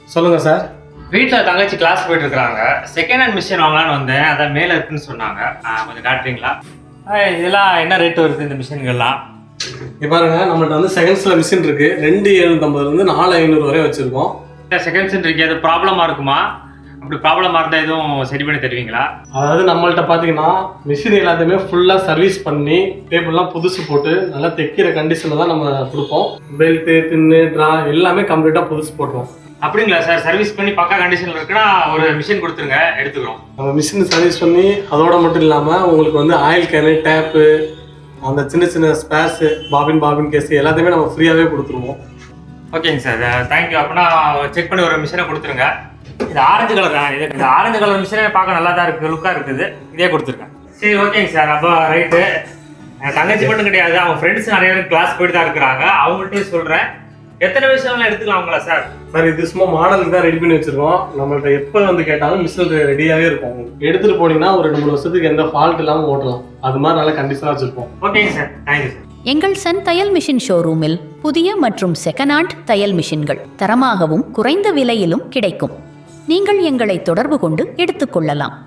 சொல்லுங்கள் சார். வீட்டில் தங்கச்சி கிளாஸ் போயிட்டு இருக்காங்க. செகண்ட் ஹேண்ட் மிஷின் வாங்கலான்னு வந்தேன். அதான் மேலே இருக்குன்னு சொன்னாங்க. கொஞ்சம் காட்டுறீங்களா? இதெல்லாம் என்ன ரேட் வருது இந்த மிஷின்கள்லாம்? இப்போ பாருங்க, நம்மள்ட்ட வந்து செகண்ட்ஸில் மிஷின் இருக்குது. 2750 4500 வரை வச்சுருக்கோம். செகண்ட்ஸ் இருக்கு, அது ப்ராப்ளமாக இருக்குமா? அப்படி ப்ராப்ளமாக இருந்தால் எதுவும் சரி பண்ணி தருவீங்களா? அதாவது நம்மள்ட்ட பார்த்தீங்கன்னா மிஷின் எல்லாத்தையுமே ஃபுல்லாக சர்வீஸ் பண்ணி டேபிள்லாம் புதுசு போட்டு நல்லா தைக்கிற கண்டிஷனில் தான் நம்ம கொடுப்போம். பெல்ட்டு, பின்னு, ட்ரா எல்லாமே கம்ப்ளீட்டாக புதுசு போட்டுருவோம். அப்படிங்களா சார்? சர்வீஸ் பண்ணி பக்கா கண்டிஷனில் இருக்குன்னா ஒரு மிஷின் கொடுத்துருங்க, எடுத்துக்கிறோம். நம்ம மிஷின் சர்வீஸ் பண்ணி அதோட மட்டும் இல்லாமல் உங்களுக்கு வந்து ஆயில் கேனு, டேப்பு, அந்த சின்ன சின்ன ஸ்பேர்ஸு, பாபின் கேஸு எல்லாத்தையுமே நம்ம ஃப்ரீயாகவே கொடுத்துருவோம். ஓகேங்க சார், தேங்க்யூ. அப்படின்னா செக் பண்ணி ஒரு மிஷினை கொடுத்துருங்க. இது ஆரஞ்சு கலர் தான். இந்த ஆரஞ்சு கலர் மிஷினே பார்க்க நல்லா தான் இருக்குது, லுக்காக இருக்குது. இதே கொடுத்துருக்கேன். சரி, ஓகேங்க சார். அப்போ ரைட்டு. தங்கச்சி மட்டும் கிடையாது, அவங்க ஃப்ரெண்ட்ஸ் நிறைய பேர் கிளாஸ் போயிட்டு தான் இருக்கிறாங்க. அவங்கள்ட்டையும் சொல்கிறேன். எத்தனை விஷயம்லாம் எடுத்துக்கலாங்களா சார்? சார், இது சும்மா மாடலுக்கு தான் ரெடி பண்ணி வச்சுருக்கோம். நம்மள்ட்ட எப்போ வந்து கேட்டாலும் மிஷின் ரெடியாகவே இருக்கும். எடுத்துகிட்டு போனீங்கன்னா ஒரு 2-3 வருஷத்துக்கு எந்த ஃபால்ட் இல்லாமல் ஓட்டலாம். அது மாதிரி நல்லா கண்டிஷனாக வச்சுருப்போம். ஓகேங்க சார், தேங்க்யூ சார். எங்கள் சன் தையல் மிஷின் ஷோரூமில் புதிய மற்றும் செகண்ட் ஹேண்ட் தையல் மிஷின்கள் தரமாகவும் குறைந்த விலையிலும் கிடைக்கும். நீங்கள் எங்களை தொடர்பு கொண்டு எடுத்துக்கொள்ளலாம்.